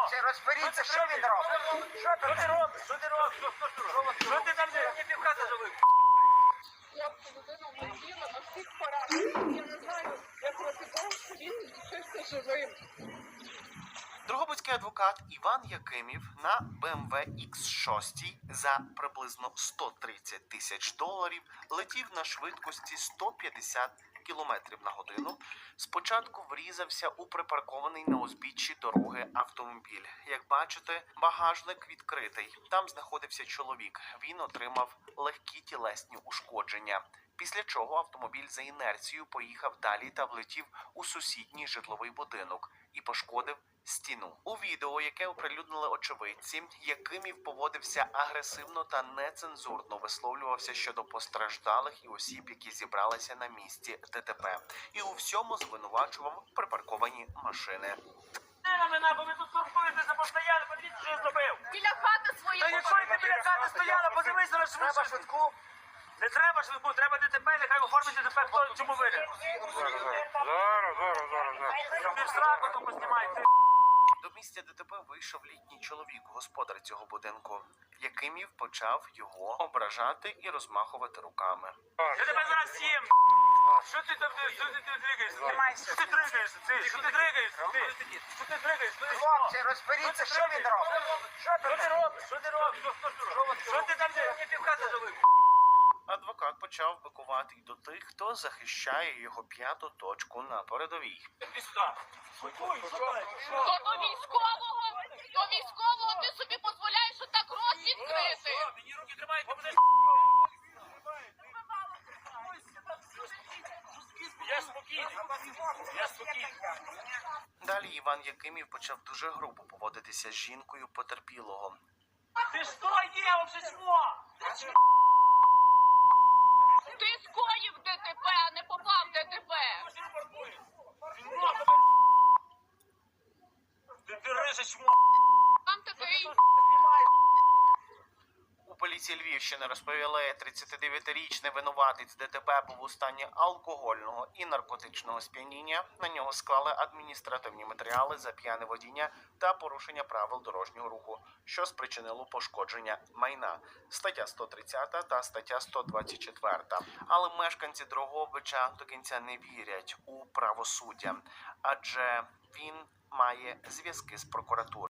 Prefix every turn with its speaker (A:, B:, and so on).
A: Чи розберіться, що він робить?
B: Що ти робиш? Що ти робиш? Що ти там не півхати живив?
C: Хлопця людина влетіла на всіх параметрах. Я не знаю, як розібрав, що він лишився живим.
D: Дрогобицький адвокат Іван Якимів на BMW X6 за приблизно 130 тисяч доларів летів на швидкості 150 кілометрів на годину. Спочатку врізався у припаркований на узбіччі дороги автомобіль. Як бачите, багажник відкритий. Там знаходився чоловік. Він отримав легкі тілесні ушкодження. Після чого автомобіль за інерцією поїхав далі та влетів у сусідній житловий будинок і пошкодив стіну. У відео, яке оприлюднили очевидці, Якимів поводився агресивно та нецензурно висловлювався щодо постраждалих і осіб, які зібралися на місці ДТП, і у всьому звинувачував припарковані машини.
B: Не мене, бо ви тут турбуєтеся постійно, подивіться, що я зробив.
C: Біля хати своєї.
B: Та якщо ти біля хати стояла, подивися на
A: Треба
B: швидше.
A: швидку.
B: Не треба швидку, треба ДТП, нехай оформить ДТП, хто чому винен. Щоб не в сраку то познімайте.
D: До місця ДТП вийшов літній чоловік, господар цього будинку. Якимів почав його ображати і розмахувати руками.
B: Я тебе зараз сім. Що ти там, що ти дригаєшся? Що ти дригаєшся? Що ти дригаєшся? Що ти дригаєшся?
A: Хлопці, розберіться, що він робить?
B: Що ти робиш? Що ти робиш? Що ти там не півхати живив?
D: Адвокат почав бикувати й до тих, хто захищає його п'яту точку на передовій.
C: То до військового ти собі дозволяєш отак рот відкрити.
B: Мені руки тримають, ти будеш... Я спокійний. Я спокійний.
D: Далі Іван Якимів почав дуже грубо поводитися з жінкою потерпілого.
B: Ти що є, вже чмо?
C: Ти скоїв ДТП, а не попав в ДТП.
B: Ти риже чмо.
C: Там такий.
D: У поліції Львівщини розповіли, 39-річний винуватець ДТП був у стані алкогольного і наркотичного сп'яніння. На нього склали адміністративні матеріали за п'яне водіння та порушення правил дорожнього руху, що спричинило пошкодження майна. Стаття 130 та стаття 124. Але мешканці Дрогобича до кінця не вірять у правосуддя, адже він має зв'язки з прокуратурою.